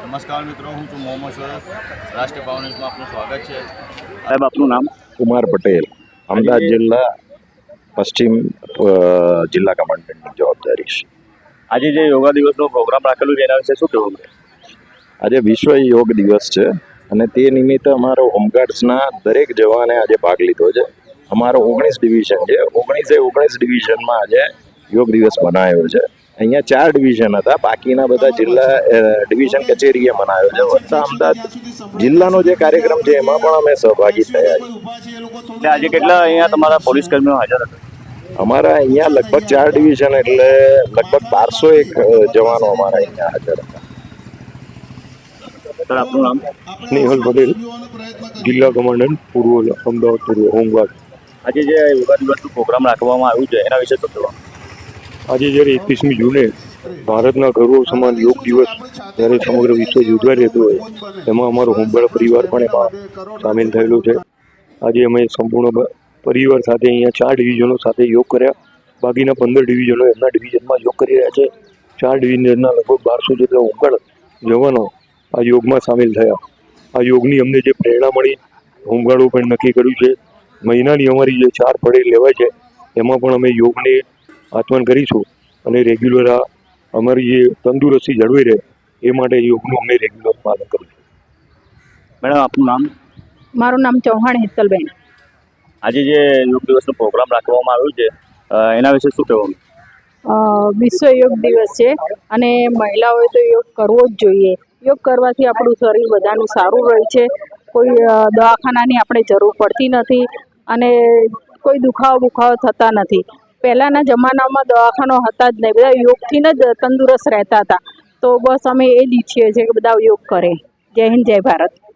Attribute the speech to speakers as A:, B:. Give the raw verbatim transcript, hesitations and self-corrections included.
A: નમસ્કાર મિત્રો, હું છું મોહમ્મદ શોએબ. રાષ્ટ્રીય પાવર ન્યૂઝમાં આપનું સ્વાગત છે.
B: સાહેબ, આપનું નામ?
C: કુમાર પટેલ, અમદાવાદ જિલ્લા પશ્ચિમ અ, જિલ્લા કમાન્ડન્ટની જવાબદારી છે.
B: આજે જે યોગા દિવસનો પ્રોગ્રામ રાખેલું છે એના વિશે શું કહેવું છે?
C: આજે વિશ્વ યોગ દિવસ છે અને તે નિમિત્તે અમારો હોમગાર્ડ્સના દરેક જવાને આજે ભાગ લીધો છે. અમારો ઓગણીસ ડિવિઝન છે, ઓગણીસે ઓગણીસ ડિવિઝનમાં આજે યોગ દિવસ મનાયો છે. અહીંયા ચાર ડિવિઝન હતા, બાકીના બધા જિલ્લા અ, ડિવિઝન કચેરીએ મનાયો છે. વત્તા અમદાવાદ જિલ્લાનો જે કાર્યક્રમ છે એમાં પણ અમે સહભાગી થયા છીએ.
B: એટલે આજે કેટલા અહીંયા તમારા પોલીસ કર્મીઓ હાજર હતા?
C: અમારા અહીંયા લગભગ ચાર ડિવિઝન એટલે લગભગ બારસો એક અ, જવાનો અમારા અહીંયા હાજર હતા.
B: સર, આપનું નામ?
D: સ્નેહલ પટેલ, જિલ્લા કમાન્ડન્ટ પૂર્વ અમદાવાદ પૂર્વ હોમગાર્ડ.
B: આજે જે યોગા દિવસનો પ્રોગ્રામ રાખવામાં આવ્યું છે એના વિશે શું કહેવાનું?
D: આજે જ્યારે એકવીસમી જૂને ભારતના ગૌરવ સમાન યોગ દિવસ જ્યારે સમગ્ર વિશ્વ યોજાઈ રહેતો હોય એમાં અમારો હોમગાર્ડ પરિવાર પણ એમાં સામેલ થયેલો છે. આજે અમે સંપૂર્ણ બ- પરિવાર સાથે અહીંયા ચાર ડિવિઝનો સાથે યોગ કર્યા. બાકીના પંદર ડિવિઝનો એમના ડિવિઝનમાં યોગ કરી રહ્યા છે. ચાર ડિવિઝનના લગભગ બારસો જેટલા હોમગાર્ડ જવાનો આ યોગમાં સામેલ થયા. આ યોગની અમને જે પ્રેરણા મળી, હોમગાર્ડો પણ નક્કી કર્યું છે મહિનાની અમારી જે ચાર પડે લેવાય છે એમાં પણ અમે યોગને આચમન કરીશું અને રેગ્યુલર આ અમારી જે તંદુરસ્તી જળવાઈ રહે એ માટે યોગનું અમે રેગ્યુલર પાલન કરીશું.
B: મેડમ, આપનું નામ?
E: મારું નામ ચૌહાણ હેતલબેન.
B: આજે જે યોગ દિવસનો પ્રોગ્રામ રાખવામાં આવ્યો છે અ, એના વિશે શું કહેવાનું?
E: અ, વિશ્વ યોગ દિવસ છે અને મહિલાઓએ તો યોગ કરવો જ જોઈએ. યોગ કરવાથી આપણું શરીર બધાનું સારું રહે છે. કોઈ અ, દવાખાનાની આપણે જરૂર પડતી નથી અને કોઈ દુખાવો બુખાવો થતા નથી. પહેલાંના જમાનામાં દવાખાનો હતા જ નહીં, બધા યોગથી જ તંદુરસ્ત રહેતા હતા. તો બસ અમે એ જ ઈચ્છીએ છીએ કે બધા યોગ કરે. જય હિન્દ, જય ભારત.